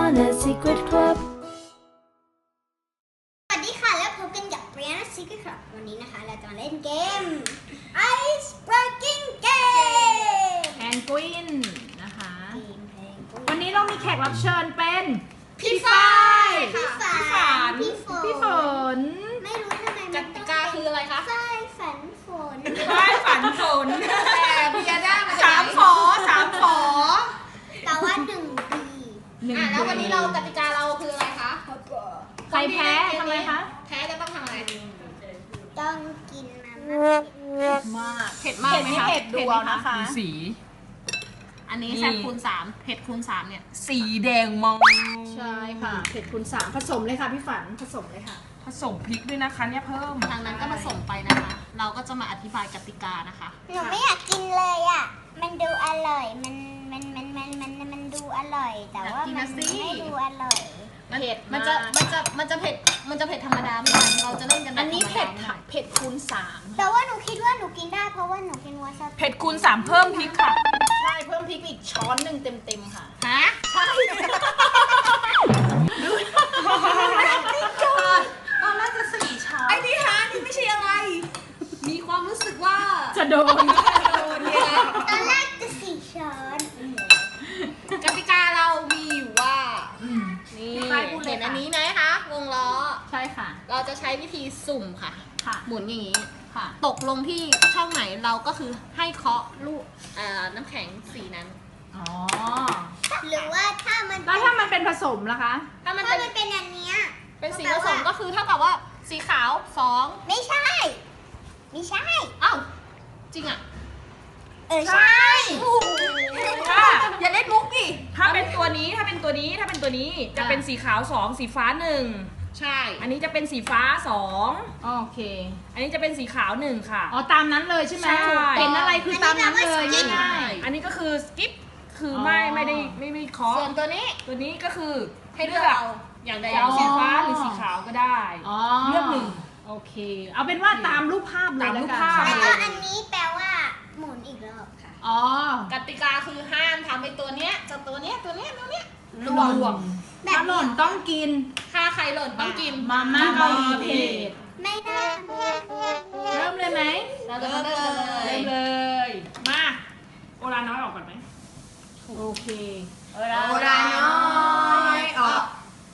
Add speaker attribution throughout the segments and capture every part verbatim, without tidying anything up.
Speaker 1: Brianna Secret Club
Speaker 2: สวัสดีค่ะแล้วพบกันกับ Brianna Secret Club วันนี้นะคะเราจะมาเล่นเกม Ice Breaking Game
Speaker 3: แพนกวินนะคะ
Speaker 2: เกมเพลง
Speaker 3: วันนี้เรามีแขกรับเชิญเป็น
Speaker 2: พี่ฝ้ายพี่
Speaker 3: พี่
Speaker 2: ฝา
Speaker 3: ฝาน
Speaker 2: พี่ฝน
Speaker 3: พี่ฝน
Speaker 2: ไม่รู้ทำไม
Speaker 4: กติกาคืออะไรคะ
Speaker 2: ฝ้ายฝันฝน
Speaker 3: ฝ้ายฝันฝน
Speaker 4: แต่พิยาด้ามา
Speaker 3: สามฝอสามฝอ
Speaker 2: แต่ว่าหนึ่งปี
Speaker 3: หนึ่ง
Speaker 4: อ่ะแล้ววันนี้เรากติกาเราคืออะไรคะ
Speaker 3: ใครแพ้ทำไมคะ
Speaker 4: แพ้จะต้องทำอะไร
Speaker 2: ต้องกินมาม่า
Speaker 3: มาก
Speaker 4: เผ็ดมากไหมคะ
Speaker 3: เผ็ดดูเอานะคะ
Speaker 5: ดูสี
Speaker 4: อันนี้
Speaker 5: นี่
Speaker 4: แซ่บคูณสามเผ็ดคูณสามเนี่ย
Speaker 5: สีแดงมอง
Speaker 3: ใช่ค่ะเผ็ดคูณสามผสมเลยค่ะพี่ฝันผสมเลยค่ะ
Speaker 5: ผสมพริกด้วยนะคะเนี่ยเพิ่ม
Speaker 4: ทางนั้นก็มาส่งไปนะคะ เราก็จะมาอธิบายกติกานะคะ
Speaker 2: หนูไม่อยากกินเลยอ่ะมันดูอร่อยมันมันมันมันมันมันดูอร่อย แต่ว่ามันไม่ดูอร่อย
Speaker 4: เผ็ดมันจะมันจะมันจะเผ็ดมันจะเผ็ดธรรมดาไม่ได้เราจะเล่นกันแบบ
Speaker 3: อันนี้เผ็ด
Speaker 4: ธรรม
Speaker 3: ค่ะเผ็ดคูณสาม
Speaker 2: แต่ว่าหนูคิดว่าหนูกินได้เพราะว่าหนูกินวาซาบิ
Speaker 5: เผ็ดคูณสามเพิ่มพริกค่ะ
Speaker 3: ใช่เพิ่มพริกอีกช้อนหนึ่งเต็มๆค่ะ
Speaker 4: ฮะ
Speaker 3: ใช่
Speaker 5: ตอนแรกจะสี่ช้อน
Speaker 4: ไอ้นี่ฮะนี่ไม่ใช่อะไร มีความรู้สึกว่า
Speaker 3: จะโดน
Speaker 4: โดนเนี่ยนะ
Speaker 2: ตอนแรกจะสี่ช้อน
Speaker 4: กติกาเรามีอยู่ว่า นี่
Speaker 3: ไปพูดเลย
Speaker 4: เห็น
Speaker 3: ค่ะ
Speaker 4: อันนี้ไหมคะวงล้อ
Speaker 3: ใช่ค่ะ
Speaker 4: เราจะใช้วิธีสุ่มค่ะ
Speaker 3: ค่ะ
Speaker 4: หมุนอย่างนี้
Speaker 3: ค่ะ
Speaker 4: ตกลงที่ช่องไหนเราก็คือให้เคาะลูกเอ่อน้ำแข็งสีนั้น
Speaker 3: อ๋อ
Speaker 2: หรือว่าถ้ามัน
Speaker 3: แล้วถ้ามันเป็นผสมล่ะคะ
Speaker 4: ถ้ามัน
Speaker 2: ถ้า
Speaker 4: เป็น
Speaker 2: มันเป็นอันเนี้ย
Speaker 4: เป็นสีผสมก็คือเท่ากับว่าสีขาวสอง
Speaker 2: ไม่ใช่ ไม่ใช่
Speaker 4: อ้าวจริงอ่ะ
Speaker 2: เออใช่
Speaker 5: ค่ะ
Speaker 4: อย่าเล่นมุกดิ
Speaker 5: ถ้าเป็นตัวนี้ถ้าเป็นตัวนี้ถ้าเป็นตัวนี้จะเป็นสีขาวสองสีฟ้าหนึ่ง
Speaker 4: ใช่
Speaker 5: อันนี้จะเป็นสีฟ้าสอง
Speaker 3: โอเค
Speaker 5: อันนี้จะเป็นสีขาวหนึ่งค่ะ
Speaker 3: อ๋อตามนั้นเลยใช่ไหม
Speaker 5: ใช่
Speaker 3: เห็นอะไรคือตามนั้นเลยง่าย
Speaker 5: อันนี้ก็คือสกิปคืออ
Speaker 3: อ
Speaker 5: ไม่ไม่ได้ไม่ไม่เคาะ
Speaker 4: ส่วนตัวนี้
Speaker 5: ตัวนี้ก็คือ
Speaker 4: ให้เลือกเอาอย่างใดอย่างห
Speaker 5: สี
Speaker 4: นึ่ง
Speaker 5: ฟ้าหรือสีขาวก็ได้
Speaker 3: ๆอ๋อ
Speaker 5: เลือกหนึ่ง
Speaker 3: โอเค เอาเป็นว่าตามรูปภาพเลย
Speaker 5: ตามรูป
Speaker 3: แล้วกัน
Speaker 5: ภาพ
Speaker 2: แล้วก็อันนี้แปลว่าหมุนอีกรอบค่ะ
Speaker 3: อ๋อก
Speaker 4: ติกาคือห้ามทำไอ้ตัวเนี้ยจะตัวเนี้ยตัวเนี้ยตัวเนี้ย
Speaker 3: หล่น
Speaker 2: แบบ
Speaker 3: ถ้าหล่นต้องกิน
Speaker 4: ถ้าใครหล่นต้องกิน
Speaker 3: มาม่าเกาหลีเผ็ด
Speaker 2: ไม่ได้
Speaker 3: เริ่มเลยไหม
Speaker 4: เราจะเริ่มกันเล
Speaker 5: เริ่
Speaker 4: ย
Speaker 5: มเลย มา โอลาน้อยออกก่อนไหม
Speaker 3: โอเค
Speaker 4: โอราน้อยออก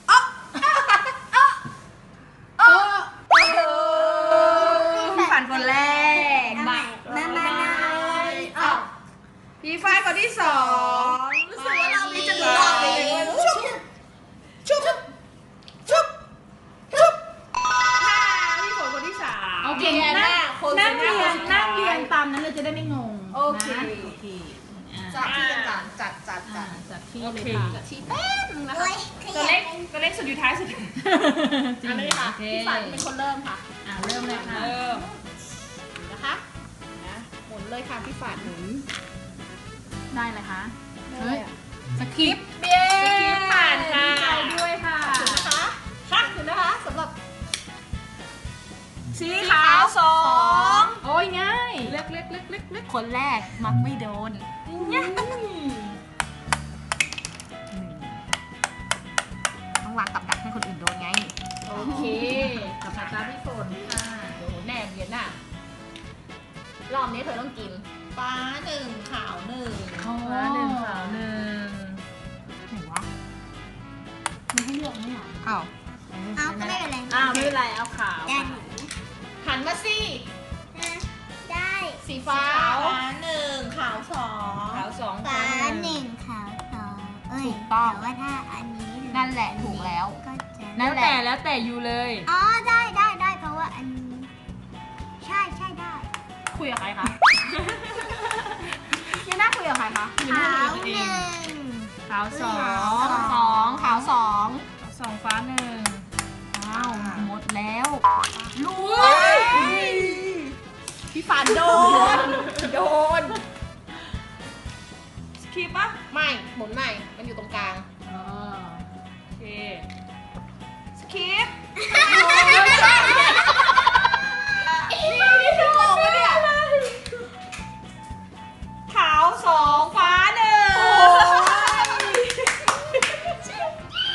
Speaker 5: พี่ฝันคนแรก
Speaker 2: มามามามาออก
Speaker 5: พี่ฝ้ายคนที่สอง
Speaker 4: รู้สึกว่าเรามีจะดูรอบเลย
Speaker 2: ชุบ
Speaker 5: ชุบชุบชุบค่ะพี่ฝนคนที่สาม
Speaker 3: โอเค
Speaker 4: เรียนห
Speaker 3: นั่
Speaker 4: น้าง คน
Speaker 3: นั่ง
Speaker 4: ห
Speaker 3: เรีย
Speaker 4: น้าน
Speaker 3: นั่งเรียนตามนั้นเลยจะได้ไม่งง
Speaker 4: โอเค
Speaker 3: นะโอเคอ่า
Speaker 4: จัดที่กันจัดจัดจั
Speaker 3: อ่า
Speaker 4: ด
Speaker 3: จัดที่เลยค่ะ
Speaker 4: จัดที่แป๊บนึงนะคะ
Speaker 2: โอ้ยข
Speaker 5: ตัว
Speaker 2: ยั
Speaker 5: เล็
Speaker 2: บ
Speaker 5: กตัวเล็กสุดอยู่ท้ายสุด
Speaker 4: อันนี้ค่ะ
Speaker 3: โอเค
Speaker 4: พี่ฝันเป็นคนเริ่มค่ะ
Speaker 3: อ่าเริ่มเลยค่ะ
Speaker 5: เริ่ม
Speaker 4: นะคะนะหมุนเลยค่ะพี่ฝันหมุน
Speaker 3: ได้เลยคะเฮ้ยสคริปต์
Speaker 4: เบี้ย
Speaker 5: สกิปผ่านค่ะ
Speaker 3: ดีใจด้วยค่ะ
Speaker 4: ถึงนะคะค่ะถึงนะคะสำหรับ
Speaker 5: สีขาวสอง
Speaker 3: โอ้ยง่าย
Speaker 5: เล็กเล็กเล็กเล็กเล็ก
Speaker 4: คนแรกมักไม่โดนต้องวางกับดักให้คนอื่นโดนไง
Speaker 3: โอเคกับตาพี่ฝนค่ะ
Speaker 4: โดนแน่เบียนน่ะรอบนี้เธอต้องกินฟ้าหนึ่งขาวหนึ่ง
Speaker 3: อ๋อ
Speaker 5: ฟ้าหนึ่งขาวหนึ่ง
Speaker 4: ไหนวะ
Speaker 3: มันให้เลือกไหมอ่ะ
Speaker 4: อ้าว
Speaker 2: เอาก็ไม่เป็นไร
Speaker 3: อ้าวไม่เป็นไรเอาขาว
Speaker 2: ได้
Speaker 3: ค่ะ
Speaker 4: หันมาสิ
Speaker 2: นะได้
Speaker 4: สีฟ้า
Speaker 5: หนึ่งขาวสองขาวสอง
Speaker 2: ฟ้าหนึ่งขาวสองเอ้ย
Speaker 4: ถูกต้อง
Speaker 2: แต่ว่าถ้าอันนี้
Speaker 4: นั่นแหละถูกแล้ว
Speaker 2: ก็จะ
Speaker 5: แล้วแต่แล้วแต่อยู่เลย
Speaker 2: อ๋อได้ได้ได้เพราะว่าอันนี้ใช่ใช่ได้
Speaker 4: คุยกับใครคะยังน่าคุยกับใครคะ
Speaker 2: ขาวหนึ่ง
Speaker 5: ขาวสอ
Speaker 4: สอง งสองขาวสอง
Speaker 5: สองฟ้าหนึ่ง
Speaker 4: อ้าวหมดแล้วลุย
Speaker 3: พี่ฝันโดน
Speaker 4: โดน
Speaker 5: สกิปปะ
Speaker 4: ไม่หมุนใหม่มันอยู่ตรงกลาง
Speaker 3: อ๋อ
Speaker 5: โอเคสกิป
Speaker 4: นี่คือโกงปะเนี่ย
Speaker 5: ขาวสองฟ้าหนึ่ง
Speaker 4: เ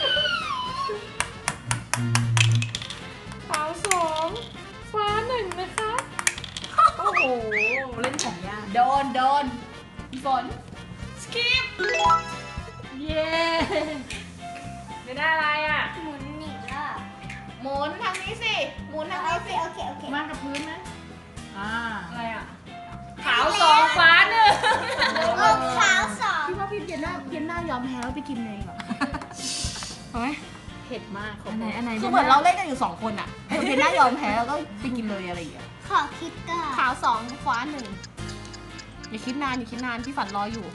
Speaker 5: ยอมแพ้แล้วไปกินเลยดีกว่าเอาไหม
Speaker 4: เผ็ดมากข
Speaker 5: อันไหนอันไหน
Speaker 4: คือเหมือนเราเล่นกันอยู่สองคนอะเออเพนน่ายอมแพ้แล้วก็ไปกินเลยอะไรอย่างเงี้ย
Speaker 2: ขอคิดก่อน
Speaker 4: ขาวสองฟ้าหนึ่งอย่าคิดนานอย่าคิดนานพี่ฝันรออยู่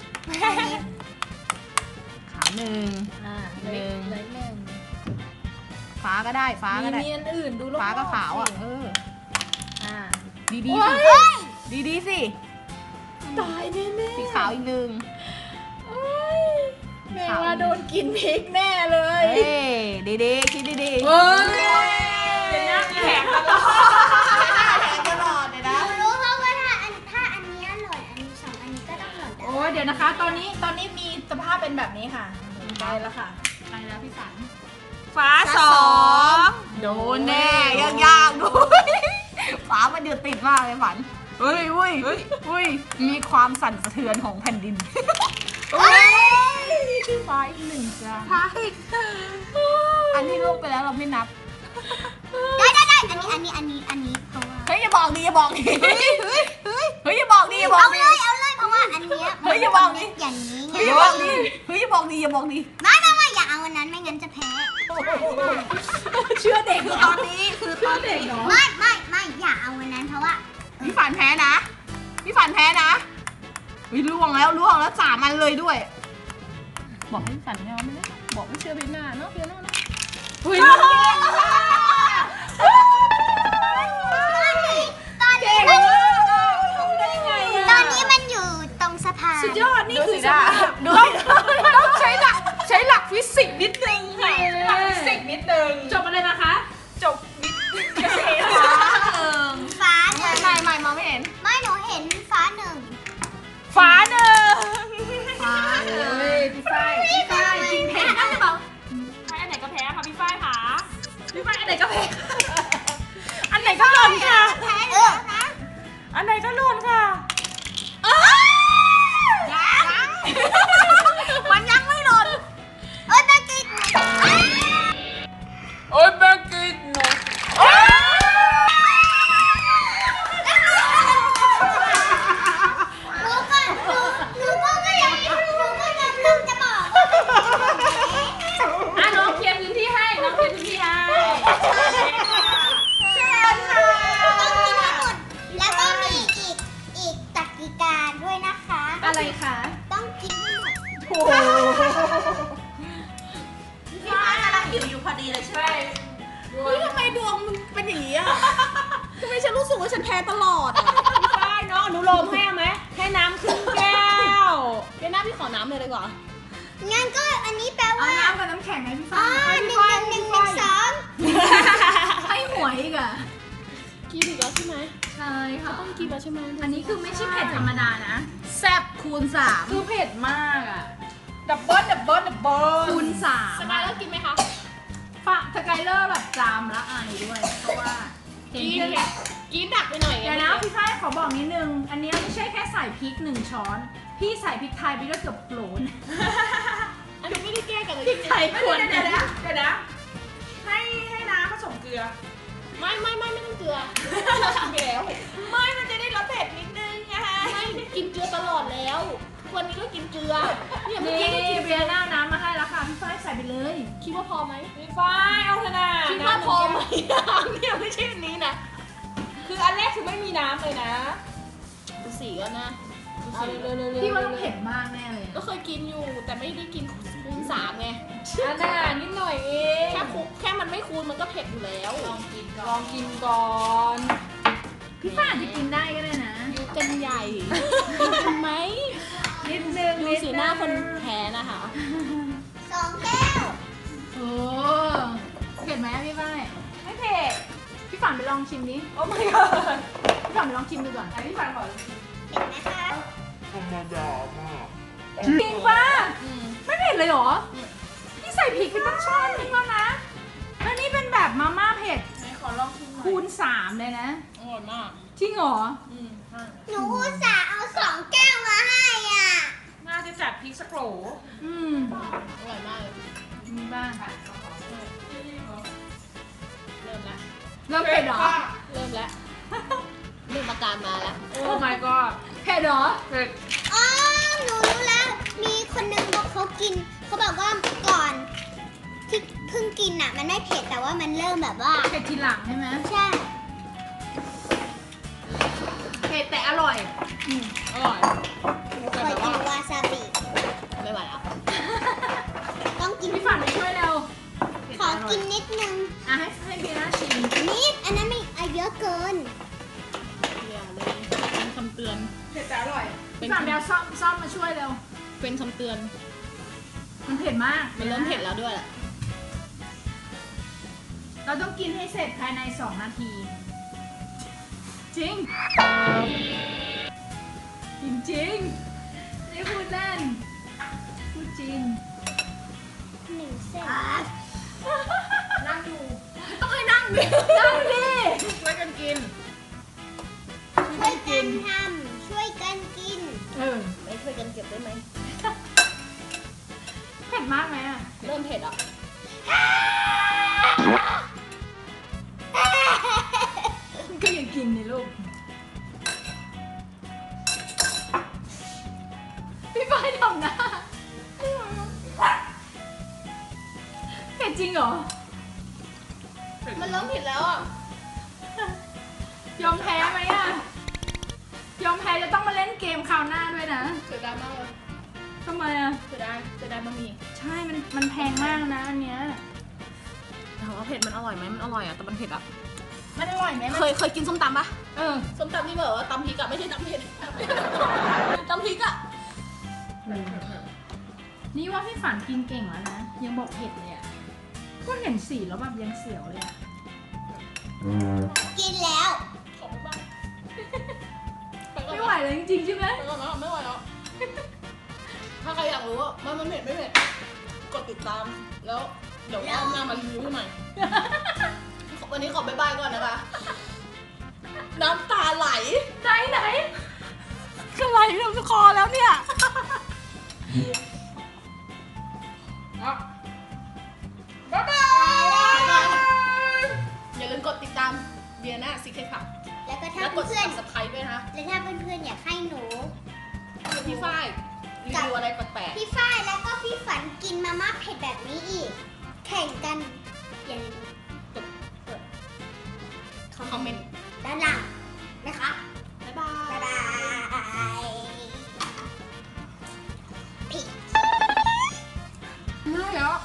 Speaker 4: ขาวหนึ่ง
Speaker 3: อ่า
Speaker 4: หนึ่ง
Speaker 3: เลยหนึ่ง
Speaker 4: ฟ้าก็ได้ฟ้าก็ได้
Speaker 3: มีอันอื่นดูรอบๆ
Speaker 4: ฟ้าก็ขาวอ่ะ
Speaker 3: สิ
Speaker 4: เออ
Speaker 3: อ่า
Speaker 4: ดีดีสิดีดีสิ
Speaker 3: ตายแน่แน่
Speaker 4: สีขาวอีกหนึ่ง
Speaker 3: แม่ว่าโดนกินพริกแน่เลย
Speaker 4: เฮ้ยดีดีคิดดีดี
Speaker 3: เฮ้ย
Speaker 4: เป็นหน้าแข็งตลอดแข็งตลอดเลย
Speaker 2: ห
Speaker 4: นะ
Speaker 2: นูรู้เพราะว่าถ้าอันถ้าอันนี้หล่นอันนี้สองอันนี้ก็ต้องหล่นได้
Speaker 5: โอ้ยเดี๋ยวนะคะ ตอนนี้ตอนนี้มีสภาพเป็นแบบนี้ค่ะไปแล้วค่ะ
Speaker 3: ไปแล้วพี่สัน
Speaker 5: ฟ้าสอง
Speaker 4: โดนแน่ยากยากด้วยฟ้ามันเดือดติดมากเลยฝันเฮ้ยเฮ้ยเฮ้ยเฮ้ยมีความสั่นสะเทือนของแผ่นดิน ฟ้าอีกหนึ่งจ้า
Speaker 5: ฟ้าอีก
Speaker 4: อันที่ลูกไปแล้วเราไม่นับ
Speaker 2: ได้ได้ได้อันนี้อันนี้อันนี้อันนี้เพราะว่า
Speaker 4: เฮ้ยอย่าบอกดิอย่าบอกดิเฮ้ยเฮ้ยเฮ้ยเฮ้ยอย่าบอกดิอย่าบอก
Speaker 2: เอา
Speaker 4: ดิ
Speaker 2: เลยเอาเลยเพราะว่าอันเนี้ย
Speaker 4: เฮ้ยอย่าบอกดิ
Speaker 2: อย่างนี้ไง
Speaker 4: เฮ้ยอย่าบอกดิเฮ้ยอย่าบอกดิอย่าบอกดิ
Speaker 2: ไม่ไม่ไม่อย่าเอาอันนั้นไม่งั้นจะแพ้
Speaker 5: เชื่อเด็ก
Speaker 4: คือ
Speaker 5: เหร
Speaker 4: ต
Speaker 5: อ
Speaker 4: อนนี้คือตอนเด็ก
Speaker 2: ไม่ไม่ไม่อย่าเอาอันนั้นเพราะว่า
Speaker 4: พี่ฝันแพ้นะพี่ฝันแพ้นะวิล่วงแล้วล่วงแล้วสามอันเลยด้วย บอกให้พี่ฝันไม่เอาไม่ได้บอกไม่เชื่อพี่หน้าเนาะพี่หน้าเนาะ
Speaker 5: อุ้ย
Speaker 2: ตอนนี้ตอนนี้มัน
Speaker 5: ทำได้ไง
Speaker 2: ตอ
Speaker 5: อะ
Speaker 2: นนี้มันอยู่ตรงสะพาน
Speaker 5: สุดยอดนี่คือสภาพ
Speaker 4: ดูต้องใช้หลักใช้หลักฟิสิกส์นิดนึงค่ะหลักฟิสิกส์นิดนึง
Speaker 5: จบอะไรนะคะ
Speaker 4: จบนิดเกษตรเออ
Speaker 2: ฟ้าห
Speaker 4: ไม่
Speaker 2: นึ่ง
Speaker 4: ไม่ไม่มองไม่เห็น
Speaker 2: ไม่หนูเห็นฟ้าหนึ่ง
Speaker 4: ฟ้าหนึ่ง
Speaker 5: ฟ้าเลยพี่ฝ้ายพี่ฝ้ายกินเผ็ดหรือเปล่า
Speaker 3: ใครอันไหนก็แพ้ค่ะพี่ฝ้ายค่ะ
Speaker 5: พี่ฝ้ายอันไหนก็เผ็ดอันไหนก็หล่นค่ะ
Speaker 2: แพ้เลยนะ
Speaker 5: อันไหนก็หล่นค่ะ
Speaker 4: ยังมันยังไม่หล่น
Speaker 2: เอ้ยแม่กิ๊ก
Speaker 3: โอ้ยแบงกินหนู
Speaker 2: หนูก็หนูหนูก็ก็ยังหนูก็ยังเพิ่งจะบอก
Speaker 3: อ่ะน้องเคลียร์พื้นที่ให้น้องเคลียร์พื้นที่ให้
Speaker 2: เชิญค่ะต้องกินให้หมดแล้วก็มีอีกอีกกติกาด้วยนะคะ
Speaker 5: อะไรคะ
Speaker 2: ต้องกินให้หมด
Speaker 5: โอ้โห
Speaker 4: พี่ฟ้ากำลังหิวอยู่พอดีเลยใช่ไหม
Speaker 5: เฮ้ยทำไมดวงมึงเป็นอย่างนี้อ่ะทำไมฉันรู้สึกว่าฉันแพ้ตลอดอ่ะ
Speaker 3: พี่ฝ้ายน้องอนุโลมให้เอาไหมให้น้ำครึ่งแก้ว
Speaker 4: เดี๋ยวหน้าพี่ขอน้ำเลยดีกว่า
Speaker 2: งั้นก็อันนี้แปล
Speaker 5: เอา
Speaker 2: ว่า
Speaker 5: น้ำกับน้ำแข็งไหมพี่
Speaker 2: อ๋อ
Speaker 5: ฝ้าย
Speaker 2: หนึ่งหนึ่งหนึ่งหนึ่งสอง
Speaker 5: ให้หวยอีกอ่ะ
Speaker 4: กินอีกแล้วใช่ไหม
Speaker 5: ใช่ค่ะ
Speaker 4: ต้องกินแล้วใช่ไหม
Speaker 5: อันนี้คือไม่ใช่เผ็ดธรรมดานะ
Speaker 4: แซ่บคูณสาม
Speaker 3: คือเผ็ดมากอ่ะ
Speaker 5: ดับเบิ้ลดับเบิ้ลดับเบิ้ลคูณสาม
Speaker 4: สกายแล้วกินไหมคะ
Speaker 5: ฝากสกายเลอร์แบบจามและอายด้วย เพราะว่าเห็น
Speaker 4: กิน
Speaker 5: พี่
Speaker 4: กินดักไปหน่อย
Speaker 5: เดี๋ยวนะพี่ฝ้ายขอบอกนิดนึง อันนี้ไม่ใช่แค่ใส่พริกหนึ่งช้อน พี่ใส่พริกไทยไปด้วยเกือบโหลน
Speaker 4: อันนี้ไม่ได้แก้กันเลย
Speaker 5: พริกไทยควร
Speaker 3: เดี๋ยวนะเดี๋ยวนะให้ให้น้ำผสมเกลือ
Speaker 4: ไม่ไม่ไม่ไม่ต้องเกลือกินไปแล้ว
Speaker 3: ไม่มันจะได้รสเผ็ดนิดนึงไง
Speaker 4: ไม่กินเกลือตลอดแล้วทุกวันนี้ก็กินเกลือเนี่ยเมื่อ
Speaker 5: นี่
Speaker 4: กี้ก็กิน
Speaker 5: เบียร์หน้าน้ำมาให้แล้วค่ะพี่ฝ้ายใส่ไปเลย
Speaker 4: คิดว่าพอไหม
Speaker 3: พี่ฝ้ายเอาเถอะนะ
Speaker 4: คิดว่า
Speaker 3: น้ำ
Speaker 4: พอ
Speaker 3: นึ่ง
Speaker 4: ไหม
Speaker 3: แก้ว
Speaker 4: เนี่ยไม่ใช่อันนี้นะ
Speaker 3: คืออันแรกคือไม่มีน้ำเลยนะ
Speaker 4: ดูสีก็นะดู
Speaker 3: เอา
Speaker 4: สี
Speaker 3: เร็วๆเร็วๆ
Speaker 5: พี่ว่าต้องเผ็ดมากแน่เลย
Speaker 4: ก็เคยกินอยู่แต่ไม่ได้กินคูณสามไง
Speaker 3: อันน่ะนิดหน่อยเอง
Speaker 4: แค่คุกแค่มันไม่คูณมันก็เผ็ดอยู่แล้ว
Speaker 3: ลองกินก่อนลองกินก่อน
Speaker 5: พี่ฝ้ายอาจจะกินได้ก็ได้นะ
Speaker 4: อยู่กันใหญ่ทำไหม
Speaker 5: นิดนึง
Speaker 4: ดูสีหน้าคนแพ้นะคะ
Speaker 2: สองแก้ว
Speaker 5: โอ้เผ็ดไหมอะพี่ฝ้าย
Speaker 3: ไม่เผ็ด
Speaker 5: พี่ฝันไปลองชิมนี้
Speaker 3: โอ้ my god
Speaker 5: พี่ฝันไปลองชิมดูก่อน
Speaker 3: อันนี้ฟังก่อน
Speaker 2: เห็นไหมคะ
Speaker 5: จริงป่ะ
Speaker 4: อืม
Speaker 5: ไม่เผ็ดเลยเหรอ พี่ใส่พริกไปตั้งช้อนนึงแล้วนะ แล้วนี่เป็นแบบมาม่าเผ็ด
Speaker 3: ไหนขอลองชิมหน่อย
Speaker 5: คูณสามเลยนะ
Speaker 4: อร่อยมาก
Speaker 5: จริงเหรอ
Speaker 3: อืมใช่
Speaker 2: หนูอุตส่าห์เอาสองแก้วมาให้อ่ะ
Speaker 3: น่าจะจัดพริกสักโหล
Speaker 5: อืม
Speaker 4: อร่อยมากเลย
Speaker 5: มีบ้าง
Speaker 4: เริ่มละ
Speaker 5: เริ่มเผ็ดเหรอ
Speaker 4: เริ่มแล้วเริ่มอาการมาแล้ว
Speaker 3: โอ้ my god
Speaker 5: เผ็ดเหรอ
Speaker 3: เผ็ด
Speaker 2: อ๋อ หนูรู้แล้ว มีคนนึงบอกเขากินเขาบอกว่าก่อนที่เพิ่งกินอ่ะ มันไม่เผ็ดแต่ว่ามันเริ่มแบบว่า
Speaker 3: เผ็ดทีหลังใช่ไหม
Speaker 2: ใช่
Speaker 4: เผ็ดแต่อร่อยอืมอร่อย
Speaker 2: หนูเคยกินวาซาบิ
Speaker 4: ไม่ไหวแล้ว
Speaker 2: ต้องกิน
Speaker 3: พี่ฝันไปช่วยเร็ว
Speaker 2: ขอกินนิดนึง
Speaker 3: อ่ะให้ให้บีน่าชิม
Speaker 2: นิดอันนั้นไม่เอาเยอะเกิน
Speaker 4: อย่าเลยเป็นคำเตือน
Speaker 5: เผ็ดแต่อร่อย
Speaker 4: เป็
Speaker 3: พี่
Speaker 4: น
Speaker 3: ฝันไปเอาซ่อมซ่อมมาช่วยเร็ว
Speaker 4: เป็นคำเตือน
Speaker 3: มันเผ็ดมาก
Speaker 4: มันเริ่มเผ็ดแล้วด้วยแหละ
Speaker 3: เราต้องกินให้เสร็จภายในสองนาที จริง จริงจริงๆนี่พูดเล่น พูดจริง
Speaker 2: หนึ่งเส้น
Speaker 5: นั่งอยู่
Speaker 4: ต้องให้นั่งดิ
Speaker 3: นั่งดิ
Speaker 4: ช่วยกันกิน
Speaker 2: ช่วยกันทำช่วยกันกิน
Speaker 3: เออ
Speaker 4: ไม่ช่วยกันเก็บได้ไหม
Speaker 3: เผ็ดมากไหมอ่ะ
Speaker 4: เริ่มเผ็ดอ่ะ
Speaker 3: ก็ยังกินนี่ลูก พี่ฝ้ายทำหน้าเผ็ดจริงเหรอ
Speaker 4: มันเริ่มเผ็ดแล้วอ่ะ
Speaker 3: ยอมแพ้ไหมอ่ะ ยอมแพ้จะต้องมาเล่นเกมคราวหน้าด้วยนะ
Speaker 4: เสียดายมากเลย
Speaker 3: ทำไมอ่ะ
Speaker 4: เสียดายเสียดายบะหมี่
Speaker 3: ใช่ มัน มันแพงมากนะอันเนี้ย
Speaker 4: ถามว่าเผ็ดมันอร่อยไหมมันอร่อยอ่ะแต่มันเผ็ดอ่ะ
Speaker 3: มันอร่อยไหม
Speaker 4: เคยเคยกินส้มตำปะ
Speaker 3: เออ
Speaker 4: ส้มตำที่แบบว่าตำพริกอะไม่ใช่ตำเผ็ดตำพริกอะ
Speaker 3: นี่ว่าพี่ฝันกินเก่งแล้วนะ ยังบอกเผ็ดเลยอ่ะ ก็เห็นสีแล้วแบบยังเสียวเลยอ่ะ
Speaker 2: กินแล้ว
Speaker 4: ขอบคุณมาก
Speaker 3: ไม่ไหวเลยจริงๆใช่ไหม
Speaker 4: ไม่ไหวแล้วไม่ไหวแล้วถ้าใครอยากรู้ว่ามันมันเผ็ดไม่เผ็ดกดติดตามแล้วเดี๋ยวเอาหน้ามารีวิวให้ใหม่ วันนี้ขอบ๊ายบายก่อนนะคะ น้ำตาไหล
Speaker 3: ไหนไหน
Speaker 4: คือไหลเต็มคอแล้วเนี่ย
Speaker 5: บ๊ายบาย
Speaker 4: อย่าลืมกดติดตามเบียร์น่าซิกเคค่ะ
Speaker 2: แล้วก็ถ้า
Speaker 4: และกด
Speaker 2: เพื่อน
Speaker 4: subscribe ด้วยนะ
Speaker 2: ๆแล้วถ้าเพื่อนๆอยากให้หนู
Speaker 4: พี่ฝ้ายรีวิวอะไรแปลก
Speaker 2: พี่ฝ้ายแล้วก็พี่ฝันกินมาม่าเผ็ดแบบนี้อีก แข่งกันอย่าลืมกดกด
Speaker 4: ๆคอมเมนต์
Speaker 2: ด้านล่างนะคะ
Speaker 4: บ๊ายบาย
Speaker 2: บ๊ายบายผิด
Speaker 3: ไม่เหรอ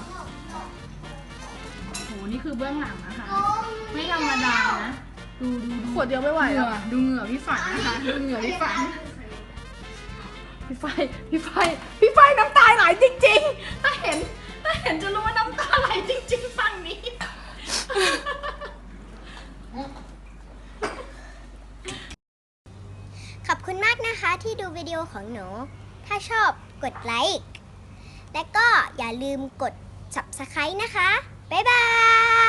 Speaker 3: โห นี่คือเบื้องหลังนะคะ ไม่ธรรมดานะ ดูดูดู
Speaker 4: ขวดเดียวไม่ไหว
Speaker 3: เหงื่
Speaker 4: แล้ว
Speaker 3: อดูเหงื่อพี่ฝันนะคะ ดูเหงื่อพี่ฝัน พี่ไฟพี่ไฟพี่ไฟน้ำตาไหลจริงๆ ถ้าเห็น ถ้าเห็นจะรู้ว่าน้ำตาไหลจริงๆ ฝั่งนี้
Speaker 2: ขอบคุณมากนะคะที่ดูวิดีโอของหนู ถ้าชอบกดไลค์ และก็อย่าลืมกด ซับสไครบ์ นะคะ บ๊ายบาย